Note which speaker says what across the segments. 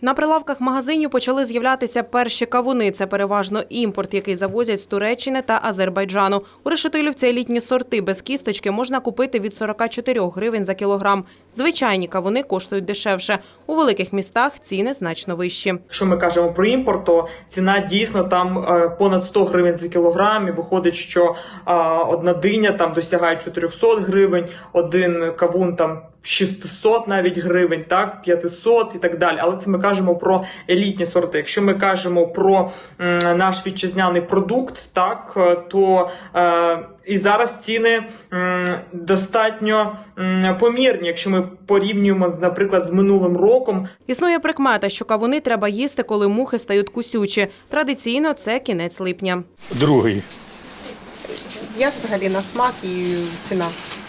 Speaker 1: На прилавках магазинів почали з'являтися перші кавуни. Це переважно імпорт, який завозять з Туреччини та Азербайджану. У Решетилівці елітні сорти без кісточки можна купити від 44 гривень за кілограм. Звичайні кавуни коштують дешевше. У великих містах ціни значно вищі.
Speaker 2: Якщо ми кажемо про імпорт, то ціна дійсно там понад 100 гривень за кілограм. І виходить, що одна диня там досягає 400 гривень, один кавун там 600 навіть гривень, так, 500 і так далі. Але це ми кажемо про елітні сорти. Якщо ми кажемо про наш вітчизняний продукт, так, то і зараз ціни достатньо помірні, якщо ми порівнюємо, наприклад, з минулим роком.
Speaker 1: Існує прикмета, що кавуни треба їсти, коли мухи стають кусючі. Традиційно це кінець липня.
Speaker 3: Другий.
Speaker 1: Як взагалі на смак і ціна?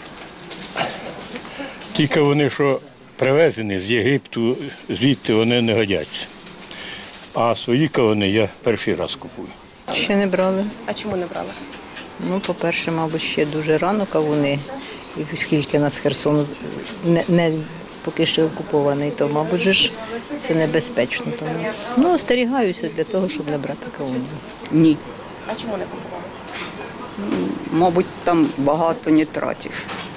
Speaker 3: Тільки вони, що привезені з Єгипту, звідти вони не годяться. А свої кавуни я перший раз купую.
Speaker 4: Ще не брали.
Speaker 1: А чому не брали?
Speaker 4: Ну, по-перше, мабуть, ще дуже рано кавуни. І оскільки нас Херсон не поки що окупований, то, мабуть, ж це небезпечно. Тому. Ну, остерігаюся для того, щоб не брати кавуни.
Speaker 5: Ні.
Speaker 1: А чому не купували?
Speaker 5: Мабуть, там багато нітратів.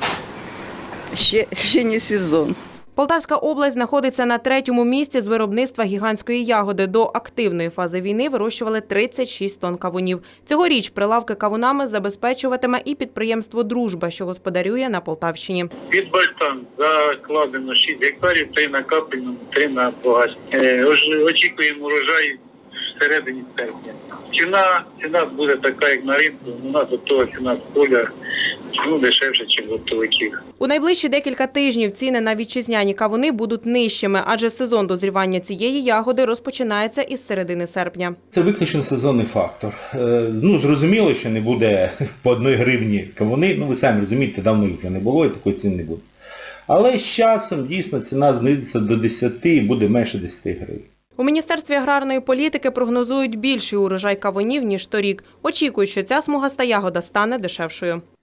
Speaker 5: Ще не сезон.
Speaker 1: Полтавська область знаходиться на 3-му місці з виробництва гігантської ягоди. До активної фази війни вирощували 36 тонн кавунів. Цьогоріч прилавки кавунами забезпечуватиме і підприємство «Дружба», що господарює на Полтавщині.
Speaker 6: Під Бальтан закладено 6 гектарів, 3 на капельному, 3 на погасі. Очікуємо урожай всередині серпня. Ціна буде така, як на ринку. У нас готова ціна з поля дешевше, ніж готовиків.
Speaker 1: У найближчі декілька тижнів ціни на вітчизняні кавуни будуть нижчими, адже сезон дозрівання цієї ягоди розпочинається із середини серпня.
Speaker 7: Це виключно сезонний фактор. Зрозуміло, що не буде по 1 гривні кавуни. Ви самі розумієте, давно їх вже не було і такої ціни не буде. Але з часом дійсно ціна знизиться до 10 і буде менше 10 гривень.
Speaker 1: У Міністерстві аграрної політики прогнозують більший урожай кавунів, ніж торік. Очікують, що ця смугаста ягода стане дешевшою.